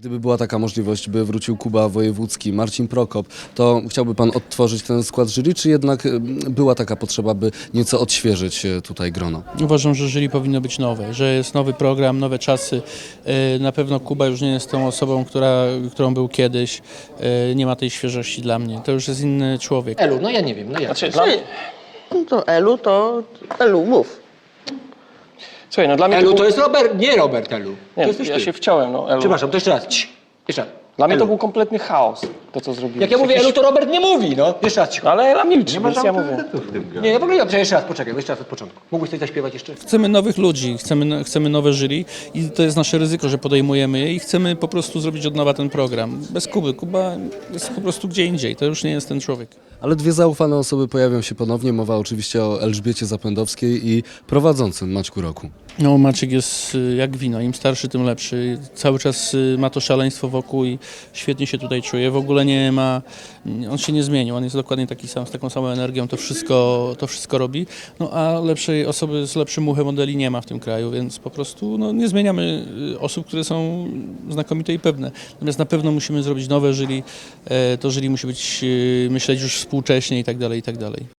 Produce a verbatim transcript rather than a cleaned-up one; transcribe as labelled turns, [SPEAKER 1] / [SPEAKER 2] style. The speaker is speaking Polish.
[SPEAKER 1] Gdyby była taka możliwość, by wrócił Kuba Wojewódzki, Marcin Prokop, to chciałby pan odtworzyć ten skład jury, czy jednak y, była taka potrzeba, by nieco odświeżyć y, tutaj grono?
[SPEAKER 2] Uważam, że jury powinno być nowe, że jest nowy program, nowe czasy. E, Na pewno Kuba już nie jest tą osobą, która, którą był kiedyś. E, Nie ma tej świeżości dla mnie. To już jest inny człowiek.
[SPEAKER 3] Elu, no ja nie wiem, no jak?
[SPEAKER 4] Znaczy, dla...
[SPEAKER 5] No to Elu, to Elu, mów.
[SPEAKER 4] Słuchaj, no dla mnie
[SPEAKER 3] Elu
[SPEAKER 4] to,
[SPEAKER 3] to
[SPEAKER 4] był...
[SPEAKER 3] jest Robert, nie Robert Elu.
[SPEAKER 4] Nie,
[SPEAKER 3] to jesteś
[SPEAKER 4] ja
[SPEAKER 3] ty.
[SPEAKER 4] się wciąłem, no Elu.
[SPEAKER 3] Przepraszam, to jeszcze raz. Cii. Jeszcze raz.
[SPEAKER 4] Dla mnie to
[SPEAKER 3] Elu.
[SPEAKER 4] był kompletny chaos, to co zrobiłeś.
[SPEAKER 3] Jak ja mówię
[SPEAKER 4] Jakiś-
[SPEAKER 3] Elu, to Robert nie mówi, no. Jeszcze raz cicho.
[SPEAKER 4] Ale Ela milczy, więc ja mówię.
[SPEAKER 3] Nie, ja w ogóle nie, jeszcze raz, poczekaj, jeszcze raz od początku. Mógłbyś coś zaśpiewać jeszcze?
[SPEAKER 2] Chcemy nowych ludzi, chcemy, chcemy nowe jury i to jest nasze ryzyko, że podejmujemy je i chcemy po prostu zrobić od nowa ten program. Bez Kuby. Kuba jest po prostu gdzie indziej. To już nie jest ten człowiek.
[SPEAKER 1] Ale dwie zaufane osoby pojawią się ponownie. Mowa oczywiście o Elżbiecie Zapędowskiej i prowadzącym Maćku Roku.
[SPEAKER 2] No, Maciek jest y, jak wino, im starszy, tym lepszy. Cały czas y, ma to szaleństwo wokół i świetnie się tutaj czuje. W ogóle nie ma, on się nie zmienił, on jest dokładnie taki sam, z taką samą energią, to wszystko, to wszystko robi. No a lepszej osoby z lepszym muchem modeli nie ma w tym kraju, więc po prostu no, nie zmieniamy y, osób, które są znakomite i pewne. Natomiast na pewno musimy zrobić nowe jury, e, to jury musi być, y, myśleć już współcześnie i tak dalej, i tak dalej.